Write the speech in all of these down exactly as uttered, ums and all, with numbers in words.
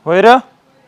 होय र.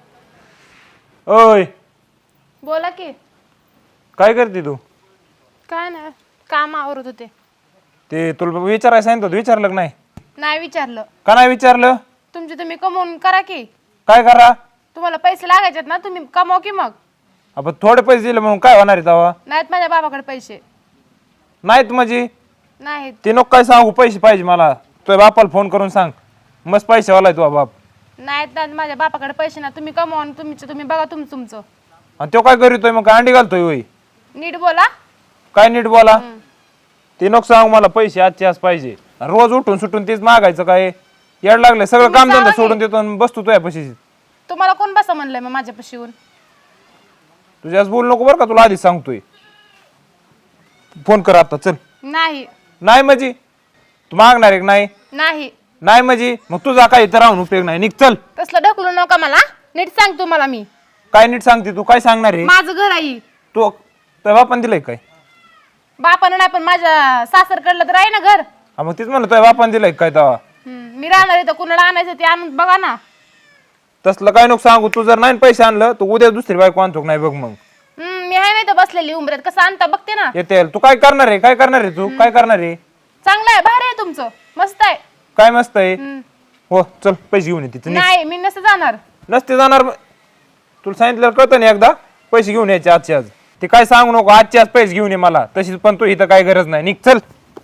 ओय बोला की. काय करते तू? काय नाही, काम आवरत होते. ते तुला विचारायला सांगितलं होतं, विचारलं का नाही? नाही विचारलं. का नाही विचारलं? तुमचे तुम्ही कमवून करा की. काय करा? तुम्हाला पैसे लागायचेत ना, तुम्ही कमवा की मग. आपण थोडे पैसे दिले म्हणून काय होणार आहे तेव्हा? नाहीत माझ्या बाबाकडे पैसे. नाहीत म्हणजे नाहीत. ते नको काय सांगू, पैसे पाहिजे मला. तुझ्या बापाला फोन करून सांग, मस्त पैसे वाला तुझा बाप. नाहीत नाहीत माझ्या बापाकडे पैसे ना, तुम्ही कमवा आणि तुमचं तुम्ही बघा तुमचं तुमचं. आणि तो काय करीतोय मग? काय अंडी घालतोय होय? नीट बोला. काय नीट बोला? ते नको सांगू मला, पैसे आजचे आज पाहिजे. रोज उठून सुटून तेच मागायचं काय? येड लागलंय, सगळं तुम्ही काम धंदा सांगा की. सोडून देतो आणि बसतो तुझ्या पैसे. तुम्हाला कोण बसा म्हणलंय मग माझ्यापाशी येऊन? तुझ्याच बोल नको बरं का, तुला आधीच सांगतोय. फोन कर आता, चल. नाही. नाही म्हणजे तू मागणार आहे का नाही? नाही. नाही म्हणजे मग तुझा काही तर राहून उपयोग नाही, निघ चल. तसलं ढकलू नका मला, नीट सांग तुम्हाला मी. काय नीट सांगते तू? काय सांगणार आहे? माझं घर आहे. तू तुझ्या बापान दिलंय काय? बापानं नाही पण माझ्या सासरकडलं तर आहे ना घर. हा मग तीच म्हणलं, तुझ्या बापान दिलंय काय तेव्हा? हम्म, मी राहणार इथं, कुणाला आणायचं ते आणून बघा ना. तसलं काय नको सांगू. तू जर नाही पैसे आणलं तर उद्या दुसरी बायको आणतो का नाही बघ मग. हम्म, मी आहे नाही तर बसलेली उंबऱ्यात, कसं आणता बघते ना. येते तू काय करणार आहे? काय करणार आहे तू? काय करणार आहे? चांगलं आहे, भारी आहे तुमचं, मस्त आहे. काय मस्त आहे? हम्म. हो चल, पैसे घेऊन ये तिथं. नाही मी नसतं जाणार. नसते जाणार मग. तुला सांगितलं कळतं ना एकदा, पैसे घेऊन यायचे आजचे आज. ते काय सांगू नको, आजचे आज पैसे घेऊन ये मला. तशीच पण तू इथं काय गरज नाही, निघ चल.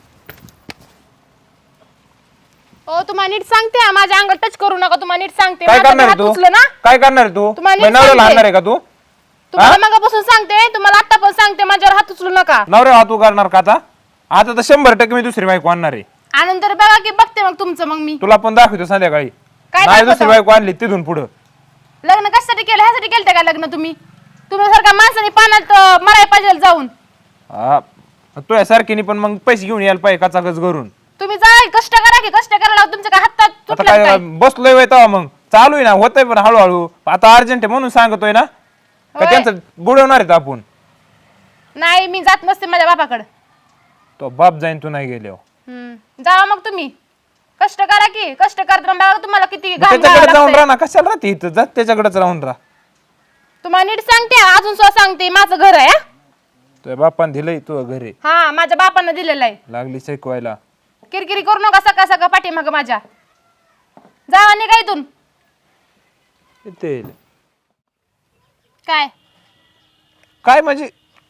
ओ तुम्हाला नीट सांगते हा, माझ्या अंगात टच करू नका. तुम्हाला नीट सांगते, काय माझा करणार हात आहे तू? उचलं ना. काय करणार आहे तू? तुम्हाला नीट नवऱ्याला सांगते. आणणार आहे का तू? तुम्हाला मगापासून सांगते, तुम्हाला आता पण सांगते, माझ्यावर हात उचलू नका. नवऱ्या हात उगारणार का आता? आता तर शंभर टक्के मी दुसरी बायको आणणार आहे. आणून तर बघा की, बघते मग तुमचं मग मी. तुला पण दाखवतो संध्याकाळी. काय नाही दाखवतो? दुसरी बायको आणली तिथून पुढं. लग्न कशासाठी केलं? ह्यासाठी केलं का लग्न तुम्ही? तुम्ही सारख्या माणसाने पाण्यात अं, मराय पाहिजे जाऊन. हा तुझ्या सारखीने पण मग पैसे घेऊन यायला पाहिजे काचाकच घरून. तुम्ही जा कष्ट करा की, कष्ट करायला तुमच्या काय हातात आता तुटलं काय काय? बसलोय वय तेव्हा मग चालू आहे ना, होतंय पण हळूहळू. आता अर्जंट आहे म्हणून सांगतोय ना. का होय. त्यांचं बुडवणार आहेत आपण? नाही मी जात नसते माझ्या बापाकडे. तो बाप जाईन तू नाही गेल्यावर. हम्म, जावा मग तुम्ही. कष्ट करा की, कष्ट करताना बघा तुम्हाला किती घाम त्याच्याकडे घालावं जाऊन लागतंय. राहा ना, कशाला राहते इथं? जा त्याच्याकडेच राहून राहा. तुम्हाला नीट सांगते, अजून सुद्धा सांगते, माझं घर आहे हा. तुझ्या बापान दिलंय तू घरी, हा माझ्या बापानं दिलेलं आहे. लागली शिकवायला. किरकिरी करू नका सकाळ सकाळ पाठीमागं माझ्या. जावा निघा इथून. येते. काय काय म्हणजे?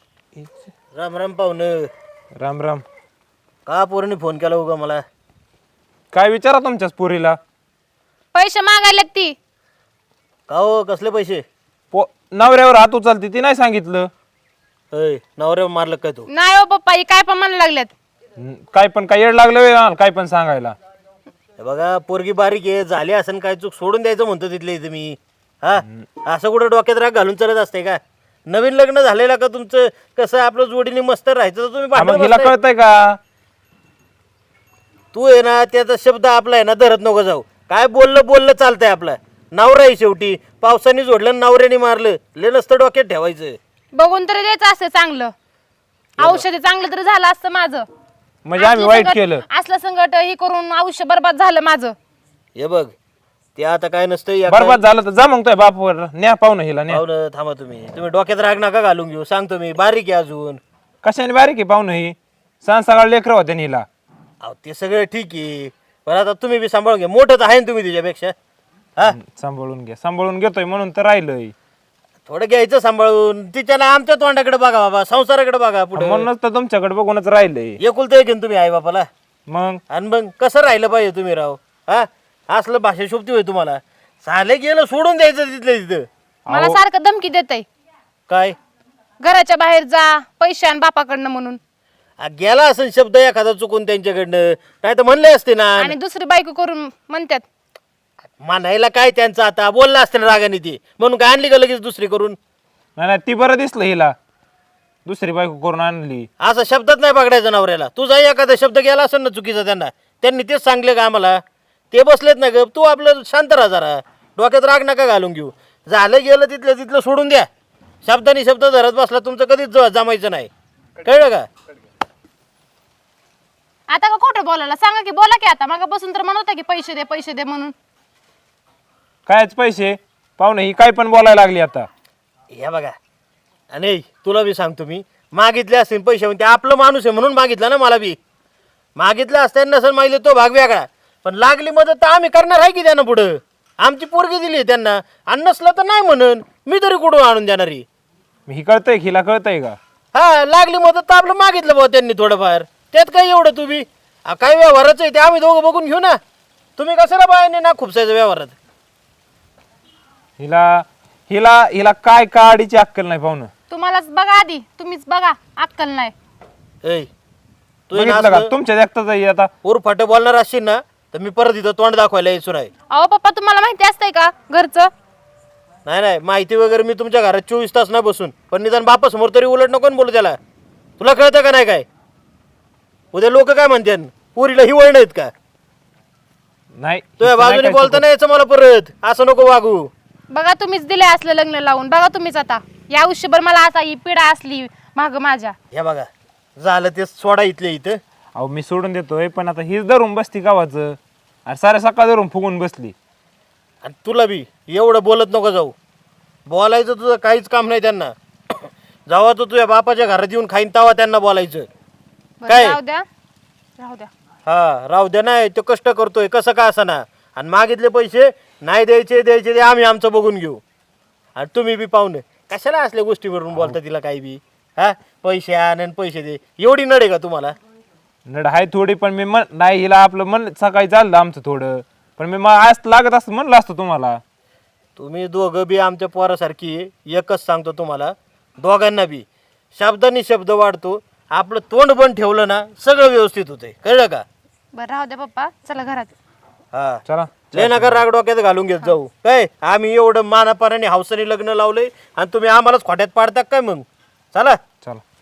राम राम पाहुणं. राम राम. का पोरांनी फोन केला उगा मला? काय विचारा तुमच्याच पोरीला. पैसे मागायला ती? का हो, कसले पैसे? पो नवऱ्यावर हात उचलते ती नाही सांगितलं. अय नवऱ्या मारलं काय तू? नाही हो पप्पा, ही काय पण म्हणायला लागल्यात. हम्म, काय पण काय येड लागलं व्हय काय पण सांगायला. हे बघा पोरगी बारीक आहे, झाली असं काय चूक सोडून द्यायचं म्हणतो तिथले इथं मी. हा असं कुठं डोक्यात राग घालून चालत असते का? नवीन लग्न झालेलं का तुमचं? कसं आपलं जोडीने मस्त राहायचं तर तुम्ही हा, मग भांडण हिला बसताय. कळतंय का? तू आहे ना त्याचा शब्द आपला आहे ना धरत नको जाऊ. काय बोललं बोललं चालतंय आपलं. नवरा आहे शेवटी. पावसाने जोडलं नवऱ्याने मारलं, ले नसतं डोक्यात ठेवायचं. बघून तरी द्यायचं असं चांगलं औषध, चांगलं तरी झालं असतं माझं. म्हणजे आम्ही असलं वाईट संकट- केलं. असलं संकट हे करून आयुष्य बरबाद झालं माझं. हे बघ ते आता काय नसतं या बरबाद झालं तर जा मग तुझ्या बापावर न्या पाहुणं हिला न्या. पाहुणं थांबा तुम्ही. तुम्ही डोक्यात राग नका घालून घेऊ. सांगतो मी, बारीक आहे अजून. कशाने बारीक आहे पाहुणं ही? सांग सकाळ लेकर होत्या हिला. अहो ते सगळं ठीक आहे, पण आता तुम्ही बी सांभाळून घ्या. मोठंच आहे ना तुम्ही तिच्यापेक्षा. हा सांभाळून घ्या. सांभाळून घेतोय म्हणून तर राहिलंय. थोडं घ्यायचं सांभाळून. तिच्याला आमच्या तोंडाकडे बघा बाबा, संसाराकडे बघा पुढे. म्हणूनच तर तुमच्याकडे बघूनच राहिलंय. एकुलतं एक आहे ना तुम्ही आई बापाला. मग आणि मग कसं राहिलं पाहिजे तुम्ही राव? हा असलं भाषा शोभती होय तुम्हाला? साले गेलं सोडून द्यायचं तिथलं तिथं. मला सारखं धमकी देतय, काय घराच्या बाहेर जा, पैसे आण बापाकडनं म्हणून. आ, गेला असं शब्द एखादा चुकून त्यांच्याकडनं, काय तर म्हणले असते ना. आणि दुसरी बायको करून म्हणतात. म्हणायला काय त्यांचं आता? बोलला असते ना रागाने ती, म्हणून काय आणली का लगेच दुसरी करून? नाही नाही, ती बरं दिसलं हिला, दुसरी बायको करून आणली. असं शब्दात नाही पकडायचं नवऱ्याला. तुझा एखादा शब्द गेला असेल ना चुकीचा त्यांना, त्यांनी तेच सांगले का आम्हाला? ते बसलेत ना ग. तू आपलं शांत राहा जरा, डोक्यात राग नका घालून घेऊ. झालं गेलं तिथलं तिथलं सोडून द्या. शब्दानी शब्द धरत बसला तुमचं कधीच ज- जमायचं नाही. कळलं का? आता का खोटं बोलायला सांगा की, बोला की आता. मग बसून तर म्हणत होता की पैसे दे पैसे दे म्हणून. कायच पैसे? पाहुणे ही काय पण बोलायला लागली आता. या बघा आणि तुला बी सांगतो मी मागितले असतील पैसे ते आपलं माणूस आहे म्हणून मागितलं ना. मला बी मागितलं असताना नसेल मागितलं तो भाग वेगळा, पण लागली मदत तर आम्ही करणार आहे की त्यांना पुढं. आमची पोरगी दिली त्यांना आणि नसलं तर नाही म्हणून मी तरी कुठून आणून देणारी. ही कळतंय हिला कळतंय का? हा लागली मदत तर आपलं मागितलं भाऊ त्यांनी थोडंफार, त्यात काय एवढं तुम्ही आ, काय व्यवहाराचं आहे ते आम्ही दोघं बघून घेऊ ना. तुम्ही कशाला बायाने ना खूपसायचं व्यवहारात. हिला हिला हिला काय काडीची अक्कल नाही पाहुणं. तुम्हालाच बघा आधी, तुम्हीच बघा, अक्कल नाही. ऐ तू बघितलं का तुमच्या देखताच आहे आता. ऊर फाटे बोलणार असशील ना तर मी परत इथं तोंड दाखवायला यायचो नाही. अहो पप्पा तुम्हाला माहिती असतंय का घरचं? नाही नाही माहिती वगैरे मी तुमच्या घरात चोवीस तास नाही बसून, पण निदान बापा समोर तरी उलट नको ना बोलू त्याला. तुला कळतं का नाही काय? उद्या लोक काय म्हणते पुरीला हिवळ नाहीत का? नाही तुझ्या बाजूने बोलता नाही यायचं मला परत, असं नको वागू. बघा तुम्हीच दिले असलं लग्न लावून, बघा तुम्हीच आता या आयुष्यभर मला असा ही पिढा असली माग माझ्या. हे बघा झालं ते सोडा इथले इथं. अहो मी सोडून देतोय पण आता हीच धरून बसती गावाचं. अरे साऱ्या सकाळ धरून फुगून बसली. आणि तुला बी एवढं बोलत नको जाऊ. बोलायचं तुझं काहीच काम नाही त्यांना. जेव्हा तू तुझ्या बापाच्या घरात येऊन खाईन तेव्हा त्यांना बोलायचं. बरं, काय? राहू द्या राहू द्या. हा राहू द्या नाही तो कष्ट करतोय कसं का असं ना. आणि मागितले पैसे नाही द्यायचे द्यायचे ते आम्ही आमचं बघून घेऊ. आणि तुम्ही बी पाहुणे कशाला असल्या गोष्टीवरून बोलता तिला काही बी. हा पैसे आण आणि पैसे दे एवढी नडे का तुम्हाला? नड हाय थोडी पण मी मन नाही हिला आपलं मन सकाळी चाललं आमचं थोडं, पण मी मग आज लागत असतं म्हणलं असतं तुम्हाला. तुम्ही दोघं बी आमच्या पोरासारखी आहे. एकच सांगतो तुम्हाला दोघांना बी शब्दांनी शब्द वाढतो. आपलं तोंड बंद ठेवलं ना सगळं व्यवस्थित होतंय, कळलं का? बरं राहू द्या पप्पा, चला घरात. हा चला लय नका राग डोक्यात घालून घेत जाऊ. काय आम्ही एवढं मानापानाने हौसाने लग्न लावलंय आणि तुम्ही आम्हालाच खोट्यात पाडता काय मग? चला चला.